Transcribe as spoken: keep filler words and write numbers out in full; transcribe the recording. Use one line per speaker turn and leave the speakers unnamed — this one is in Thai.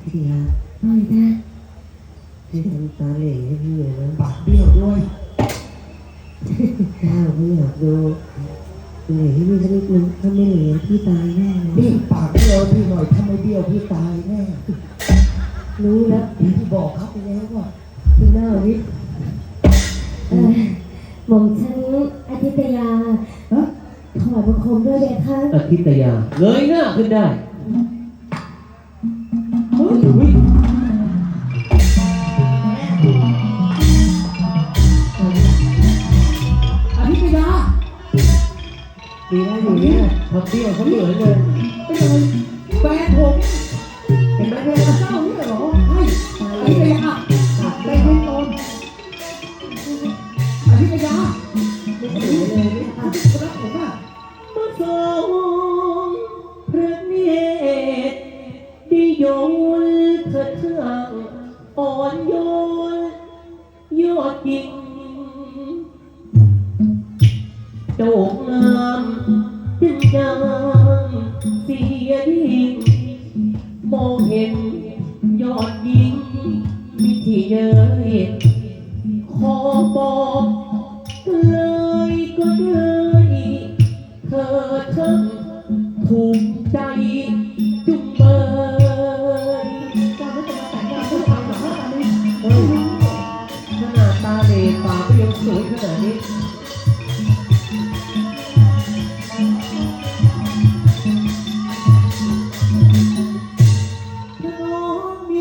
พี่ยา
ปล่อยนะ
พี่ทำตาเหล่ให้พี่เลยนะ
ปากเบี้ยวด้วย
ข้าวไม่อยากดูเหล่ให้พี่สักนิดนึงถ้าไม่เหล่พี่ตายแน่เลย
นี่ปากเบี้ยวพี่หน่อยถ้าไม่เบี้ยวพี่ตายแน่
รู้แล้ว
พี่บอกเขาไปแล้วว่า
พี่หน้าวิทย์
เออหม่อมฉันอาทิตยา
ฮะ
ถวายบังคมด้วยเด็กค่ะ
อาทิตยาเงยหน้าขึ้นได้
เฮ้ยอุ๊ย
อภิษยา
ดีนะอยู่เนี่ยทำเบี้ยวเขาเหนื่อยเลย
เป็นอะไรแฟนผม
เห็นไหมแม่
เจ้าเนี่ยเหรอใช่อภิษยาได้ยินตอนอภิษยา
ไม่เหนื่อยเลยเนี่ย
อาทิตย์รักผมอ่ะ
มาทรงพระเนตรดิโยนเถิดเครื่องอ่อนโยนยอดยิงโด่งงามจึงดังเสียดิ่งมองเห็นยอดยิงมิที่เย้ยขอบอกเลยก็เลยเธอทั้งถูกใจจุงเบย
เจ้าไม่จะมาแต่งงานเพื่อความหวังว่าตอนนี้
เฮ้ยขนาดตาเหลปากก็ยังสวยขนาดนี้